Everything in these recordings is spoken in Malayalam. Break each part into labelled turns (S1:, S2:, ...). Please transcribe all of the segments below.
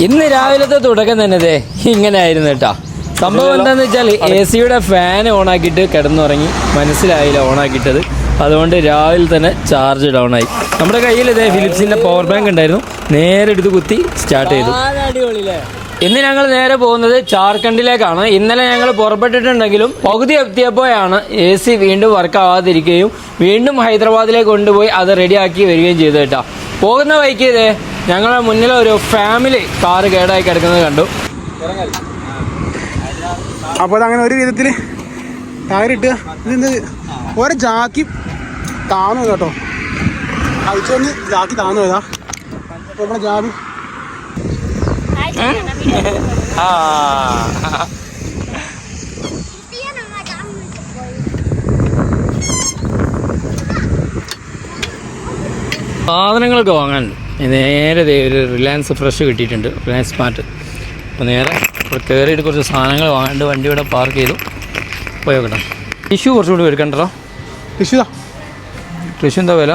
S1: ഇന്ന് രാവിലത്തെ തുടക്കം തന്നെ ഇങ്ങനെ ആയിരുന്നു കേട്ടോ. സംഭവം എന്താണെന്ന് വെച്ചാൽ AC-യുടെ ഫാൻ ഓണാക്കിയിട്ട് കിടന്നുറങ്ങി, മനസ്സിലായില്ല ഓണാക്കിയിട്ടത്. അതുകൊണ്ട് രാവിലെ തന്നെ ചാർജ് ഡൗൺ ആയി. നമ്മുടെ കയ്യിൽ ഫിലിപ്സിൻ്റെ പവർ ബാങ്ക് ഉണ്ടായിരുന്നു, നേരെ എടുത്ത് കുത്തി സ്റ്റാർട്ട് ചെയ്തു. ഇന്ന് ഞങ്ങൾ നേരെ പോകുന്നത് ജാർഖണ്ഡിലേക്കാണ്. ഇന്നലെ ഞങ്ങൾ പുറപ്പെട്ടിട്ടുണ്ടെങ്കിലും പകുതി എത്തിയപ്പോഴാണ് AC വീണ്ടും വർക്ക് ആവാതിരിക്കുകയും വീണ്ടും ഹൈദരാബാദിലേക്ക് കൊണ്ടുപോയി അത് റെഡിയാക്കി വരികയും ചെയ്തു കേട്ടോ. പോകുന്ന വഴിക്ക് ഞങ്ങളുടെ മുന്നിൽ ഒരു ഫാമിലി കാറ് കേടായി കിടക്കുന്നത് കണ്ടു.
S2: അപ്പോൾ അതങ്ങനെ ഒരു വിധത്തിൽ ടയറിട്ട് ഇത് ഓരോ ജാക്കി താന്നു കേട്ടോ. അയച്ചൊന്ന് ജാക്കി താന്നു പോയതാ. അപ്പോൾ നമ്മുടെ ജാബി
S1: സാധനങ്ങളൊക്കെ വാങ്ങാൻ നേരെ ഒരു റിലയൻസ് ഫ്രഷ് കിട്ടിയിട്ടുണ്ട്, റിലയൻസ് സ്മാർട്ട്. അപ്പോൾ നേരെ ഇവിടെ കയറിയിട്ട് കുറച്ച് സാധനങ്ങൾ വാങ്ങാണ്ട് വണ്ടി ഇവിടെ പാർക്ക് ചെയ്തു പോയോക്കട്ടെ. ടിഷ്യൂ കുറച്ചുകൂടി എടുക്കണ്ടോ? ടിഷ്യൂ എന്താ വില?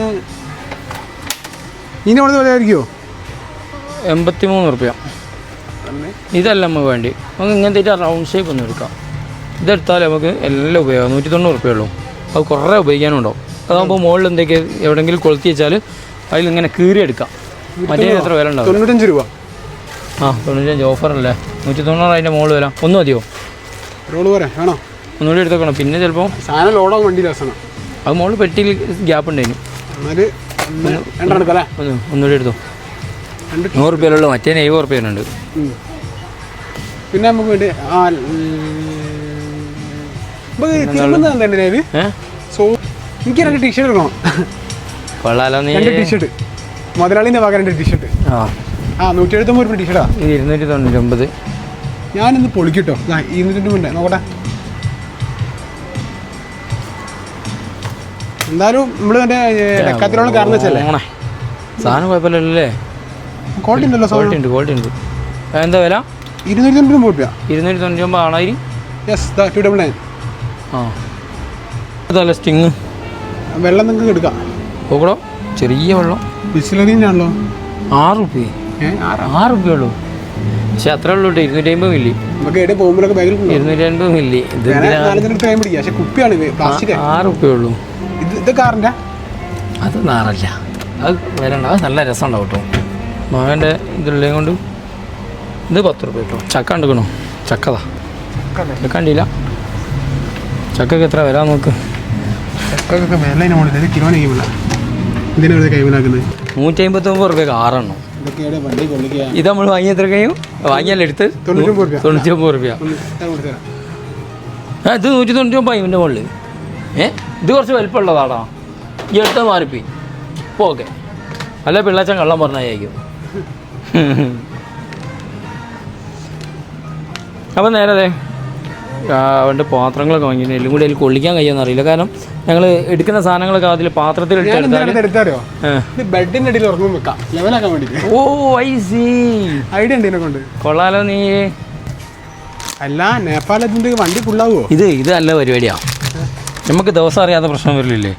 S2: ഇതിന് വില ആയിരിക്കുമോ?
S1: 83 റുപ്യ. ഇതല്ല നമുക്ക് വേണ്ടി, നമുക്ക് ഇങ്ങനത്തെ റൗണ്ട് ഷേപ്പ് ഒന്നും എടുക്കാം. ഇതെടുത്താൽ നമുക്ക് എല്ലാം ഉപയോഗം. 190 റുപ്യ ഉള്ളൂ. അത് കുറേ ഉപയോഗിക്കാനുണ്ടാവും. അതാകുമ്പോൾ മുകളിൽ എന്തൊക്കെ എവിടെയെങ്കിലും കൊളുത്തി വെച്ചാൽ അതിലിങ്ങനെ കീറിയെടുക്കാം. മറ്റേ എത്ര വില ഉണ്ടാവും?
S2: 95 രൂപ.
S1: 95 ഓഫറല്ലേ? 190 അതിൻ്റെ മുകളിൽ വില. ഒന്ന് മതിയോ? ഒന്നുകൂടി എടുത്തേക്കണം. പിന്നെ ചിലപ്പോൾ അത് മുകളിൽ പെട്ടിയിൽ ഗ്യാപ്പ് ഉണ്ടായിരുന്നു. ഒന്നുകൂടി എടുത്തോ. 100 റുപ്യയിലുള്ളൂ, മറ്റേ 70 റുപ്യനുണ്ട്.
S2: പിന്നെ നമുക്ക് വേണ്ടി എനിക്ക് 2 ടീഷർട്ട് എടുക്കണം.
S1: കൊള്ളാലോ. നീ
S2: ടീഷർട്ട് മുതലാളിൻ്റെ ഭാഗം 2 ടീഷർട്ട്. 179 രൂപ ടീഷർട്ടാ.
S1: 299.
S2: ഞാനിന്ന് പൊളിക്കിട്ടോ. 200 നോക്കട്ടെ. എന്തായാലും നമ്മള് മറ്റേ ഡെക്കാത്തിലുള്ള കാരണം വെച്ചല്ലേ
S1: സാധനം കുഴപ്പമില്ലല്ലേ?
S2: ക്വാളിറ്റി ഉണ്ടല്ലോ.
S1: ക്വാളിറ്റി ഉണ്ട്. എന്താ വില?
S2: 299 രൂപ.
S1: 299 ആണായി.
S2: യെസ്, 299.
S1: അതല്ല സ്റ്റിങ്.
S2: വെള്ളം നിങ്ങൾക്ക് എടുക്കാം.
S1: നോക്കടോ, ചെറിയ വെള്ളം.
S2: ബിസ്ലറിനാണല്ലോ.
S1: 6 റുപ്യ. 6 റുപ്യ ഉള്ളൂ. പക്ഷെ അത്രേ ഉള്ളൂ. 250 മില്ലി.
S2: 250
S1: മില്ലി.
S2: കുപ്പിയാണ്.
S1: 6 റുപ്യ ഉള്ളൂ.
S2: ഇത് കാറിൻ്റെ
S1: അത് നാറല്ല. അത് വരണ്ട. അത് നല്ല രസം ഉണ്ടാവും കേട്ടോ. മകൻ്റെ ഇതുള്ളത് കൊണ്ട്. ഇത് 10 റുപ്യ കേട്ടോ. ചക്ക എടുക്കണോ? ചക്കതാ. ചക്ക കണ്ടില്ല. ചക്കക്ക് എത്ര വരാൻ നോക്ക്.
S2: ചക്കൊക്കെ വില കിലോന് കൈമിലാക്കുന്നത്
S1: 159 റുപ്യ 6 എണ്ണം. ഇത് നമ്മൾ വാങ്ങിയ എത്ര കഴിയും? വാങ്ങിയല്ല എടുത്ത് 99 റുപ്യ. ഇത് 199 ഇതിൻ്റെ മുകളിൽ. ഇത് കുറച്ച് വലിപ്പമുള്ളതാടാ. ഈ എടുത്ത മാറിപ്പോയി. ഇപ്പോൾ ഓക്കെ. അല്ല പിള്ളാച്ചൻ കള്ളം പറഞ്ഞായിരിക്കും. അപ്പം നേരെ അവൻ്റെ പാത്രങ്ങളൊക്കെ വാങ്ങി. എല്ലാം കൂടി അതിൽ കൊള്ളിക്കാൻ കഴിയുമെന്ന് അറിയില്ല. കാരണം ഞങ്ങൾ എടുക്കുന്ന സാധനങ്ങളൊക്കെ അതിൽ പാത്രത്തിൽ
S2: എടുത്താലോ ബെഡിൻ്റെ അടിയിൽ ഉറങ്ങും വെക്കാം, ലെവലാക്കാൻ വേണ്ടി.
S1: ഓ ഐ സി
S2: ഐഡിയ ഉണ്ട് ഇതിനെ കൊണ്ട്.
S1: കൊള്ളാലോ. നീ
S2: അല്ല നേപ്പാളത്തിൻ്റെ വണ്ടി ഫുള്ളാവോ?
S1: ഇത് നല്ല പരിപാടിയാണ്. നമുക്ക് ദിവസം അറിയാത്ത പ്രശ്നം വരില്ലേ?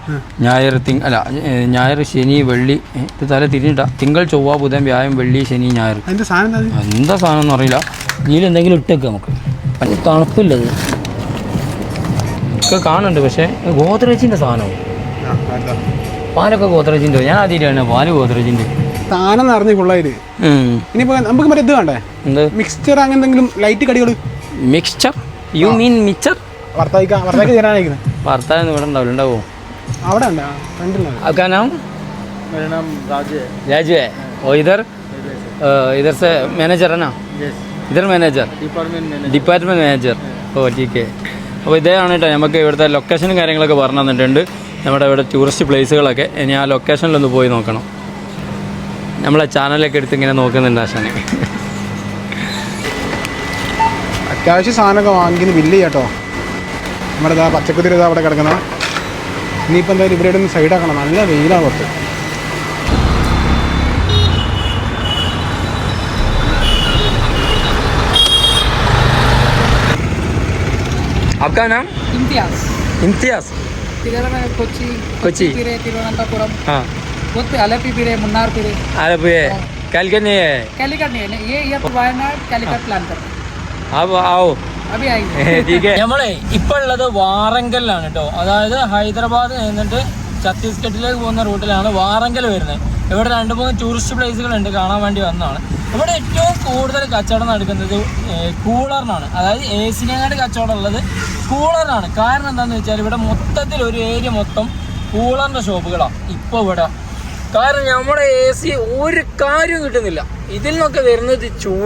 S1: ഞായർ ശനി വെള്ളി. ഇത് തല തിരിഞ്ഞിട്ടാ. തിങ്കൾ ചൊവ്വ ബുധൻ വ്യാഴം വെള്ളി ശനി ഞായർ. എന്താ സാധനം എന്ന് അറിയില്ല. ഇതിൽ എന്തെങ്കിലും ഇട്ടേക്ക് നമുക്ക്. പല തണുപ്പില്ലത് ഒക്കെ കാണുന്നുണ്ട്. പക്ഷേ ഗോദ്രേജിൻ്റെ സാധനവും പാലൊക്കെ ഗോദ്രേജിൻ്റെ. ഞാൻ ആദ്യമായിട്ടാണ് പാല് ഗോദ്രേജിൻ്റെ
S2: സാധനം നിറഞ്ഞ് കൊള്ളായത്. ഇനിയിപ്പോൾ നമുക്ക് മറ്റേ ഇത് വേണ്ടേ? എന്ത് മിക്സ്ചർ? അങ്ങനെ എന്തെങ്കിലും ലൈറ്റ് കടികൾ?
S1: മിക്സ്ചർ? You mean mixture?
S2: ഭർത്താവ് തരാനായിരിക്കുന്നത്.
S1: ഭർത്താവ് ഇവിടെ ഉണ്ടാവില്ല. ഉണ്ടാവോ?
S2: അവിടെ
S1: आपका नाम?
S3: मेरा नाम
S1: राजू है. और इधर से मैनेजर है ना? इधर मैनेजर, ഡിപ്പാർട്ട്മെൻറ്റ് മാനേജർ. ഓ ടീക്കെ. അപ്പോൾ ഇതാണ് കേട്ടോ നമുക്ക് ഇവിടുത്തെ ലൊക്കേഷനും കാര്യങ്ങളൊക്കെ പറഞ്ഞു തന്നിട്ടുണ്ട്. നമ്മുടെ ഇവിടെ ടൂറിസ്റ്റ് പ്ലേസുകളൊക്കെ. ഇനി ആ ലൊക്കേഷനിലൊന്ന് പോയി നോക്കണം. നമ്മളെ ചാനലൊക്കെ എടുത്ത് ഇങ്ങനെ നോക്കുന്നുണ്ട് ആശാനെ.
S2: അത്യാവശ്യം സാധനമൊക്കെ വാങ്ങിക്കുന്ന ബില്ല് ചെയ്യാട്ടോ. നമ്മുടെ പച്ചക്കുതിരി അവിടെ കിടക്കുന്ന. ഇനിയിപ്പോൾ എന്തായാലും ഇവിടെ ഒന്ന് സൈഡാക്കണം. നല്ല വെയിലാണ് പുറത്ത്.
S1: आपका नाम? इम्तियाज.
S3: कोची, तिरुवनंतपुरम.
S1: हाँ.
S3: आलपी पिरे, मुन्नार पिरे.
S1: आलपी कैलकट नहीं है
S3: कैलिकट नहीं है ये वायनाड कैलिकट प्लान कर रहे हैं
S1: अब आओ
S3: अभी आएंगे
S1: നമ്മളെ ഇപ്പൊ ഉള്ളത് വാറങ്കലിലാണ് കേട്ടോ. അതായത് ഹൈദരാബാദ് എന്നിട്ട് ഛത്തീസ്ഗഡിലേക്ക് പോകുന്ന റൂട്ടിലാണ് വാറങ്കൽ വരുന്നത്. ഇവിടെ 2-3 ടൂറിസ്റ്റ് പ്ലേസുകളുണ്ട്, കാണാൻ വേണ്ടി വന്നതാണ്. ഇവിടെ ഏറ്റവും കൂടുതൽ കച്ചവടം നടക്കുന്നത് കൂളറിനാണ്. അതായത് AC-നേക്കാട് കച്ചവടം ഉള്ളത് കൂളറിനാണ്. കാരണം എന്താണെന്ന് വെച്ചാൽ ഇവിടെ മൊത്തത്തിൽ ഒരു ഏരിയ മൊത്തം കൂളറിൻ്റെ ഷോപ്പുകളാണ് ഇപ്പോൾ ഇവിടെ. കാരണം നമ്മുടെ AC ഒരു കാര്യവും കിട്ടുന്നില്ല. ഇതിൽ നിന്നൊക്കെ വരുന്നത്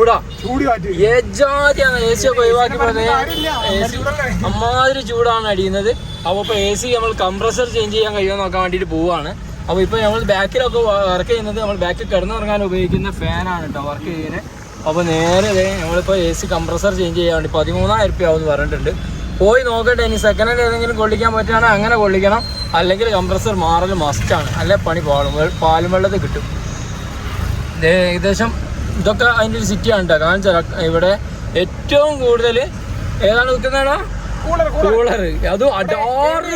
S1: ചൂടാണ്. AC ഒക്കെ ഒഴിവാക്കി അമ്മാതിരി ചൂടാണ് അടിയുന്നത്. അപ്പോൾ ഇപ്പോൾ AC നമ്മൾ കംപ്രസർ ചേഞ്ച് ചെയ്യാൻ കഴിയുമോ നോക്കാൻ വേണ്ടിയിട്ട് പോവുകയാണ്. അപ്പോൾ ഇപ്പോൾ നമ്മൾ ബാക്കിലൊക്കെ വർക്ക് ചെയ്യുന്നത് നമ്മൾ ബാക്കിൽ കിടന്നുറങ്ങാൻ ഉപയോഗിക്കുന്ന ഫാനാണ് കേട്ടോ വർക്ക് ചെയ്യുന്നത്. അപ്പോൾ നേരെ നമ്മളിപ്പോൾ AC കംപ്രസർ ചേഞ്ച് ചെയ്യാൻ വേണ്ടി 13,000 രൂപ ആവുമെന്ന് പറഞ്ഞിട്ടുണ്ട്. പോയി നോക്കട്ടെ. ഇനി സെക്കൻഡ് ഹാൻഡ് ഏതെങ്കിലും കൊള്ളിക്കാൻ പറ്റുകയാണെങ്കിൽ അങ്ങനെ കൊള്ളിക്കണം, അല്ലെങ്കിൽ കംപ്രസർ മാറൽ മസ്റ്റാണ്. അല്ലെ പണി പാലും വെള്ളത്തിൽ കിട്ടും. ഏകദേശം ഇതൊക്കെ അതിൻ്റെ ഒരു സിറ്റിയാണ് കേട്ടോ. കാരണം വെച്ചാൽ ഇവിടെ ഏറ്റവും കൂടുതൽ ഏതാണ് വിൽക്കുന്നതാണോ കൂളർ. അതും അടാറ്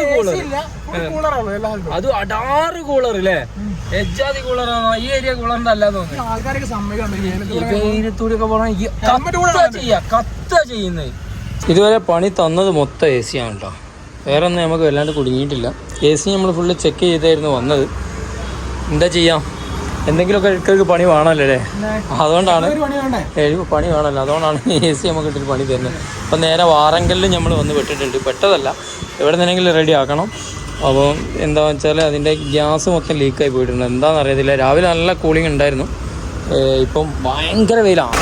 S1: കൂളർ അല്ലേ? എജാതി കൂളറാണോ? ഈ ഏരിയ കൂളറിന്റെ അല്ലാന്ന് തോന്നുന്നു. കത്ത ചെയ്യുന്നത്. ഇതുവരെ പണി തന്നത് മൊത്തം AC ആണ് കേട്ടോ. വേറെ ഒന്നും നമുക്ക് വല്ലാണ്ട് കുടുങ്ങിയിട്ടില്ല. AC നമ്മൾ ഫുള്ള് ചെക്ക് ചെയ്തായിരുന്നു വന്നത്. എന്താ ചെയ്യാം, എന്തെങ്കിലുമൊക്കെ ഇടയ്ക്ക് പണി വേണമല്ലോ അല്ലേ? അതുകൊണ്ടാണ് പണി വേണമല്ലോ, അതുകൊണ്ടാണ് AC നമുക്ക് ഇട്ടിട്ട് പണി തരുന്നത്. അപ്പം നേരെ വാറങ്കലിൽ നമ്മൾ വന്ന് പെട്ടിട്ടുണ്ട്. പെട്ടതല്ല, എവിടെ നിന്നെങ്കിലും റെഡി ആക്കണം. അപ്പോൾ എന്താണെന്ന് വെച്ചാൽ അതിൻ്റെ ഗ്യാസ് മൊത്തം ലീക്കായി പോയിട്ടുണ്ട്. എന്താണെന്ന് അറിയത്തില്ല. രാവിലെ നല്ല കൂളിംഗ് ഉണ്ടായിരുന്നു, ഇപ്പം ഭയങ്കര വെയിലാണ്.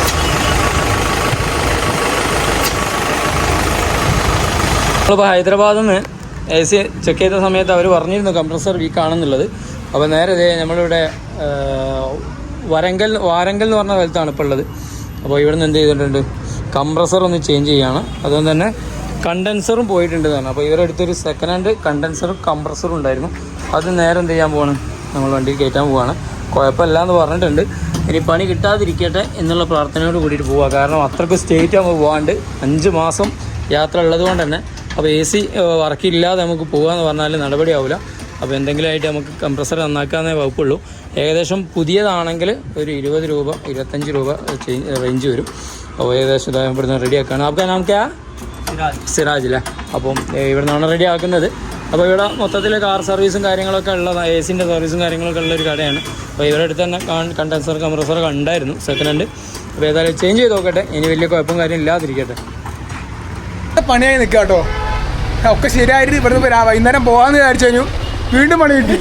S1: നമ്മളിപ്പോൾ ഹൈദരാബാദിൽ നിന്ന് AC ചെക്ക് ചെയ്ത സമയത്ത് അവർ പറഞ്ഞിരുന്നു കംപ്രസർ വീക്കാണെന്നുള്ളത്. അപ്പോൾ നേരെ നമ്മളിവിടെ വാരങ്കൽ എന്ന് പറഞ്ഞ സ്ഥലത്താണ് ഇപ്പോൾ ഉള്ളത്. അപ്പോൾ ഇവിടെ നിന്ന് എന്ത് ചെയ്തിട്ടുണ്ട്, കംപ്രസർ ഒന്ന് ചേഞ്ച് ചെയ്യുകയാണ്. അതുകൊണ്ട് തന്നെ കണ്ടൻസറും പോയിട്ടുണ്ട് തന്നെ. അപ്പോൾ ഇവരുടെ അടുത്തൊരു സെക്കൻഡ് ഹാൻഡ് കണ്ടൻസറും കംപ്രസറും ഉണ്ടായിരുന്നു. അത് നേരെ എന്ത് ചെയ്യാൻ പോവാണ്, നമ്മൾ വണ്ടിയിൽ കയറ്റാൻ പോവുകയാണ്. കുഴപ്പമില്ല എന്ന് പറഞ്ഞിട്ടുണ്ട്. ഇനി പണി കിട്ടാതിരിക്കട്ടെ എന്നുള്ള പ്രാർത്ഥനയോട് കൂടിയിട്ട് പോവുക. കാരണം അത്രയ്ക്ക് സ്റ്റേറ്റ് ആകുമ്പോൾ പോകാണ്ട് 5 മാസം യാത്ര ഉള്ളത് കൊണ്ട് തന്നെ. അപ്പോൾ AC വർക്കില്ലാതെ നമുക്ക് പോകാമെന്ന് പറഞ്ഞാൽ നടപടിയാവില്ല. അപ്പോൾ എന്തെങ്കിലും ആയിട്ട് നമുക്ക് കംപ്രസർ നന്നാക്കാന്നേ വകുപ്പുള്ളൂ. ഏകദേശം പുതിയതാണെങ്കിൽ ഒരു 20 രൂപ 25 രൂപ റേഞ്ച് വരും. അപ്പോൾ ഏകദേശം ഇവിടുന്ന് റെഡിയാക്കുകയാണ്. അപ്പോൾ നമുക്ക് സിറാജ് അല്ലേ? അപ്പം ഇവിടെ നിന്നാണ് റെഡി ആക്കുന്നത്. അപ്പോൾ ഇവിടെ മൊത്തത്തിൽ കാർ സർവീസും കാര്യങ്ങളൊക്കെ ഉള്ളതാണ്, AC-ൻ്റെ സർവീസും കാര്യങ്ങളൊക്കെ ഉള്ളൊരു കടയാണ്. അപ്പോൾ ഇവരുടെ അടുത്ത് തന്നെ കണ്ടൻസർ കംപ്രസറൊക്കെ ഉണ്ടായിരുന്നു സെക്കൻഡ് ഹാൻഡ്. അപ്പോൾ ഏതായാലും ചേഞ്ച് ചെയ്ത് നോക്കട്ടെ, ഇനി വലിയ കുഴപ്പം കാര്യം ഇല്ലാതിരിക്കട്ടെ.
S2: പണിയായി നിൽക്കുക കേട്ടോ. ഒക്കെ ശരിയായിട്ട് ഇവിടുന്ന് വൈകുന്നേരം പോകാമെന്ന് വിചാരിച്ചു കഴിഞ്ഞു, വീണ്ടും പണി കിട്ടി.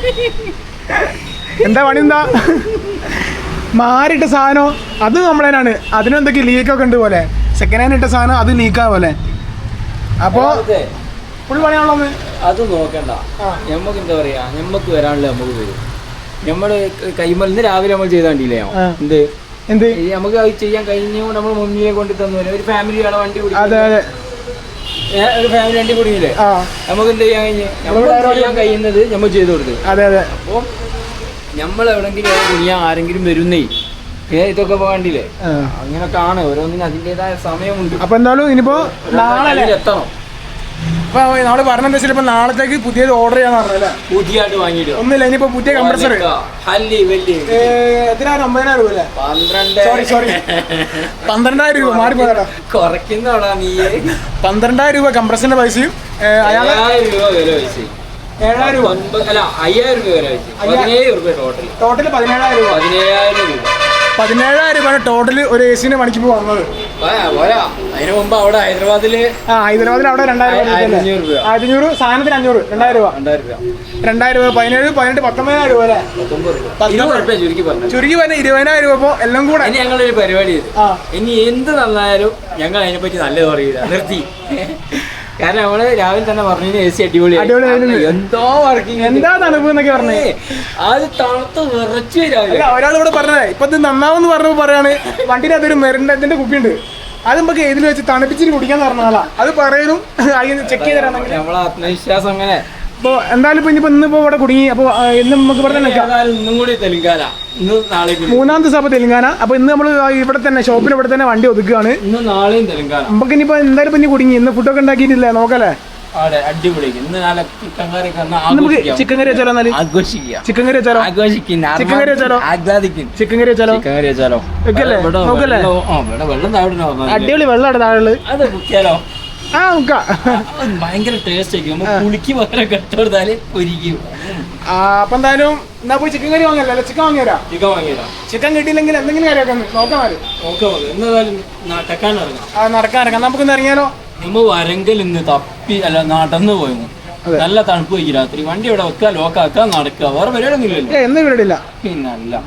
S2: എന്താ പണി? എന്താ മാറിയിട്ട സാധനം അത് നമ്മളതിനാണ്. അതിനെന്തൊക്കെ ലീക്കൊക്കെ ഉണ്ട് പോലെ. സെക്കൻഡ് ഹാൻഡ് ഇട്ട സാധനം അത് ലീക്കാ പോലെ. അപ്പോൾ ഫുൾ പണിയാണല്ലോ.
S1: അത് നോക്കണ്ട, നമുക്ക് എന്താ പറയാ, നമുക്ക് വരാനുള്ള നമുക്ക് വരും. നമ്മള് കൈമലിന്ന് രാവിലെ നമ്മൾ ചെയ്താണ്ടില്ലേ എന്ത് നമുക്ക് അത് ചെയ്യാൻ കഴിഞ്ഞുകൊണ്ട് നമ്മൾ മുന്നിലെ കൊണ്ട് തന്നു. ഒരു ഫാമിലിയുടെ വണ്ടി കൂടി, ഒരു ഫാമിലി വണ്ടി കുടുങ്ങിയില്ലേ, നമുക്ക് എന്ത് ചെയ്യാൻ കഴിഞ്ഞ് ചെയ്യാൻ കഴിയുന്നത് നമ്മൾ ചെയ്തു കൊടുത്തു. അപ്പോൾ നമ്മൾ എവിടെങ്കിലും കുനിയാൻ ആരെങ്കിലും വരുന്നേ ഇതൊക്കെ പോകണ്ടില്ലേ? അങ്ങനൊക്കെ ആണ്, ഓരോന്നിനും അതിൻ്റെതായ സമയമുണ്ട്.
S2: അപ്പൊ എന്തായാലും ഇനിയിപ്പോ നാളെ എത്തണം. അപ്പൊ നമ്മള് പറഞ്ഞെന്താ വെച്ചാൽ ഇപ്പൊ നാളത്തേക്ക് പുതിയത് ഓർഡർ ചെയ്യാന്ന് പറഞ്ഞല്ലേ?
S1: പുതിയതായിട്ട് വാങ്ങിയിട്ട് ഒന്നുമില്ല.
S2: ഇനിയിപ്പോ പുതിയ കംപ്രസർ എത്രയാണ്? 50,000 രൂപ അല്ലേ? സോറി 12,000 രൂപ മാറിപ്പോയതാ.
S1: കുറയ്ക്കുന്നോടാ നീ.
S2: 12,000 രൂപ കംപ്രസറിന്റെ പൈസയും
S1: 7,000 രൂപ വില വെച്ച് 7,000 രൂപ അല്ല 5,000 രൂപ വില വെച്ച് 17,000 രൂപ ടോട്ടൽ 17,000 രൂപ 17,000 രൂപയാണ് ടോട്ടൽ ഒരു AC-ന്റെ പണിക്ക് വന്നത്. അതിന് മുമ്പ് അവിടെ ഹൈദരാബാദിൽ അവിടെ 2,000 രൂപ 1,500 സാധനത്തിന് 500 2,000 രൂപ 2,000 രൂപ 17 18 19,000 രൂപ അല്ലേ? ചുരുക്കി പറഞ്ഞ 20,000 രൂപ. ഇപ്പോൾ എല്ലാം കൂടെ ഇനി ഞങ്ങളൊരു പരിപാടി ചെയ്തു. ഇനി എന്ത് നന്നായാലും ഞങ്ങൾ അതിനെപ്പറ്റി നല്ലത് പറയില്ല, നിർത്തി. കാരണം നമ്മള് രാവിലെ തന്നെ പറഞ്ഞു AC അടിപൊളി, എന്തോ വർക്കിംഗ്, എന്താ തണുപ്പ് എന്നൊക്കെ പറഞ്ഞേ. അത് തണുത്ത് വിറച്ചു രാവിലെ.
S2: ഒരാളിവിടെ പറഞ്ഞേ ഇപ്പൊ ഇത് നന്നാവെന്ന് പറഞ്ഞപ്പോ പറയാണ് വണ്ടിയിൽ അതൊരു മെറിന്റെ കുപ്പിയുണ്ട്, അത് നമുക്ക് ഇതിൽ വെച്ച് തണുപ്പിച്ചിട്ട് കുടിക്കാന്ന് പറഞ്ഞാലാ. അത് പറയുന്നു ചെക്ക് ചെയ്ത് തരാണെങ്കിൽ
S1: നമ്മളെ ആത്മവിശ്വാസം അങ്ങനെ.
S2: അപ്പോൾ എന്തായാലും ഇപ്പൊ ഇന്നിപ്പോ ഇവിടെ കുടുങ്ങി. അപ്പോൾ ഇന്ന് നമുക്ക് ഇവിടെ തന്നെ
S1: ഇന്നും കൂടി തെലുങ്കാന, ഇന്നും നാളെ
S2: 3-ാം ദിവസം അപ്പോൾ തെലുങ്കാന. അപ്പോൾ ഇന്ന് നമ്മൾ ഇവിടെ തന്നെ ഷോപ്പിൽ ഇവിടെ തന്നെ വണ്ടി ഒതുക്കുകയാണ്.
S1: ഇന്നും നാളെയും തെലുങ്കാന.
S2: നമുക്ക് ഇനിയിപ്പോൾ എന്തായാലും ഇനി കുടുങ്ങി. ഇന്ന് ഫുഡൊക്കെ ഉണ്ടാക്കിയിട്ടില്ലേ, നോക്കല്ലേ?
S1: അവിടെ അടിപൊളിക്ക് ഇന്ന് നാളെ ചിക്കൻ കറി
S2: നമുക്ക് ചിക്കൻ കറി വെച്ചാലോ എന്നാല്
S1: ആഘോഷിക്കാം
S2: ചിക്കൻ കറി വെച്ചാലോ ചിക്കൻ കറി വെച്ചാലോ
S1: ആഹ്ലാദിക്കും
S2: ചിക്കൻ കറി വെച്ചാലോ
S1: ചിക്കൻ കറി വെച്ചാലോ
S2: വെക്കല്ലേ നോക്കല്ലേ
S1: വെള്ളം താഴെ
S2: അടിപൊളി വെള്ളമാണ് താഴെ
S1: അത് കുത്തിയാലോ
S2: ആ നോക്കാം
S1: ഭയങ്കര ടേസ്റ്റ് ആയിരിക്കും നമ്മൾ പുളിക്ക് പകരം കെട്ടുകൊടുത്താല് പൊരിക്കും
S2: അപ്പൊ എന്തായാലും എന്നാ പോയി ചിക്കൻ കറി വാങ്ങിയല്ലോ ചിക്കൻ വാങ്ങിയരാ
S1: ചിക്കൻ വാങ്ങിയതാ
S2: ചിക്കൻ കിട്ടിയില്ലെങ്കിൽ എന്തെങ്കിലും കറിയൊക്കെ നോക്കാം
S1: എന്തായാലും നടക്കാൻ ഇറങ്ങാം
S2: നടക്കാൻ ഇറങ്ങാം നമുക്കൊന്ന് ഇറങ്ങിയാലോ
S1: നമ്മ വരങ്കൽ ഇന്ന് തപ്പി അല്ല നടന്നു പോയിരുന്നു നല്ല തണുപ്പ് പോയി രാത്രി വണ്ടി ഇവിടെ വെക്കുക ലോക്കാക്കുക നടക്കുക വേറെ പരിപാടിയൊന്നും ഇല്ലല്ലോ
S2: എന്ന് പരിപാടിയില്ല
S1: പിന്നല്ല